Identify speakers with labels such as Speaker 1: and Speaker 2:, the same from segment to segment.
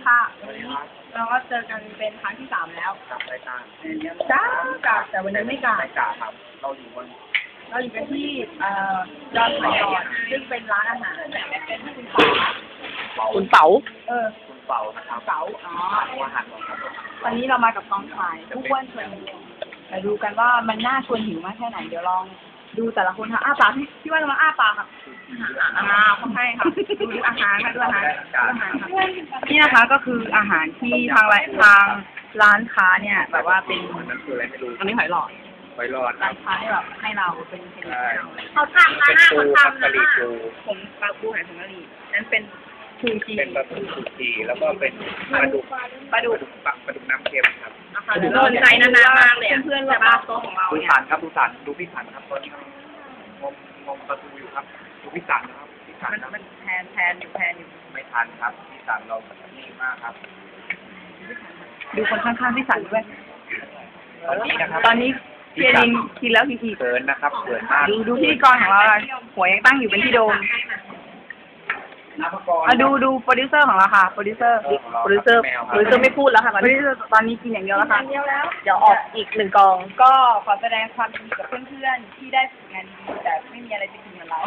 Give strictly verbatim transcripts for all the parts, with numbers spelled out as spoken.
Speaker 1: ค่ะวันนี้เราก็เจอกันเป็นครั้งที่สามแล้ว
Speaker 2: กับรายการ
Speaker 1: จ้ากาแต่วันนี้ไม่กา
Speaker 2: รายการครับเราอยู่บน
Speaker 1: เราอยู่กันที่เอ่อดอนหอยหลอดซึ่งเป็นร้านอาหารเป็นคุณป๋า
Speaker 3: คุณเป๋า
Speaker 1: เออ
Speaker 2: คุณเป่านะครับ
Speaker 1: เป๋าอ๋อ
Speaker 2: อาหารของครับ
Speaker 1: วันนี้เรามากับกองถ่ายผู้อ้วนชวนหิวมาดูกันว่ามันน่าชวนหิวมากแค่ไหนเดี๋ยวลองดูแต่ละคนค่ะอ้าปากพี่ว่าเรามาอ้าปากค่ะอ่าเขาให้ค่ะดูอาหารค่ะดูอาหารดูอาหารค่ะนี่นะคะก็คืออาหารที่ทางร้านทางร้านค้าเนี่ยแบบว่าเป็น
Speaker 2: นั่นคืออะไรไม่รู้
Speaker 1: อันนี้หอยหลอด
Speaker 2: ไว้รอดค
Speaker 1: ร้า
Speaker 2: รับ
Speaker 1: นค้าที่แบบให้เราเป็นเป็น
Speaker 2: ใช่
Speaker 1: เขาทำนะ
Speaker 2: เป็นปูครับกะหรี่ปู
Speaker 1: ผมปลาปูหอยผงกะหรี่นั่นเป็นชูชี
Speaker 2: เป็นปลาทูสุกีแล้วก็เป็นปลาดุก
Speaker 1: ปลาดุก
Speaker 2: ปลาปลาดุกน้ำเค็มครับ
Speaker 1: โดนใจนานๆมากเลยเพื่อนๆรอบโต๊ะของเรา
Speaker 2: ดู
Speaker 1: เนี่ย
Speaker 2: สันครับดูสันดูพี่สันครับตอนนี้งมงมประตูอยู่ครับดูพี่สันนะครับพี่สัน
Speaker 1: มัน
Speaker 2: ครับ
Speaker 1: มันแทนแทนอยู่แทนอยู่
Speaker 2: ไม่ทันครับพี่สันเราดีมากครับ
Speaker 1: ดูคนข้างๆที่สั่นด้วย
Speaker 2: ตอนนี้นะครับ
Speaker 1: ตอนนี้เพียรินกินแล้วกินอีก
Speaker 2: เขินนะครับเขินมาก
Speaker 1: ดูดูพิธีกรของเราอะหัวยังตั้งอยู่เป็นที่โดม
Speaker 2: นักกร
Speaker 1: อ่ะดูดูโปรดิวเซอร์ของเราค่ะ โปรดิวเซอร์ โปรดิวเซอร์ โปรดิวเซอร์ไม่พูดแล้วค่ะโปรดิวเซอร์ตอนนี้กินอย่างเดียวแล้วค่ะ เดี๋ยวออกอีกหนึ่งกอง ก็ขอแสดงความยินดีกับเพื่อนๆที่ได้ฝึกงานดีแต่ไม่มีอะไรจะกินเหมือนเรา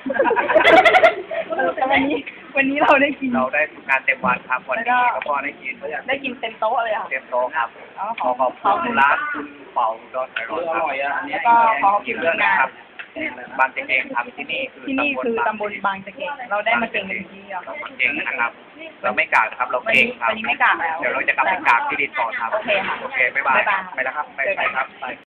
Speaker 1: แต่วันนี้วันนี้เราได้กิน
Speaker 2: เราได้ทำงานเต็มวันครับวันนี้แล้วก็ได้กิน
Speaker 1: ได้กินเต็มโต๊ะเลยค่ะ
Speaker 2: เต็มโต๊ะครับ
Speaker 1: แล้วก็
Speaker 2: ข
Speaker 1: ข
Speaker 2: อ
Speaker 1: อ
Speaker 2: ขอบคุณร้านคุณเป่าดอนไอรอนครับ
Speaker 1: แล้วก็ขอขอบคุณ
Speaker 2: เรื่อง
Speaker 1: งา
Speaker 2: นะ
Speaker 1: น
Speaker 2: ครับบางเจเองครับที่นี่คือ
Speaker 1: ที่นี่คือตำบลบางจะเก่งเราได้มาเก่งกันที่เดียว
Speaker 2: ตำบลเก่งนะครับ เราไม่กากนะครับ เรา
Speaker 1: วัน
Speaker 2: เก่ง
Speaker 1: นี้
Speaker 2: ครับ
Speaker 1: วันนี้ไม่กากแล้ว
Speaker 2: เดี๋ยวเราจะกลับไปกากที่ดินต่อครับ
Speaker 1: โอเคค่ะ
Speaker 2: โอเคบ๊ายบาย
Speaker 1: บ๊ายบาย
Speaker 2: ไปแล้วครับไปไปครับไป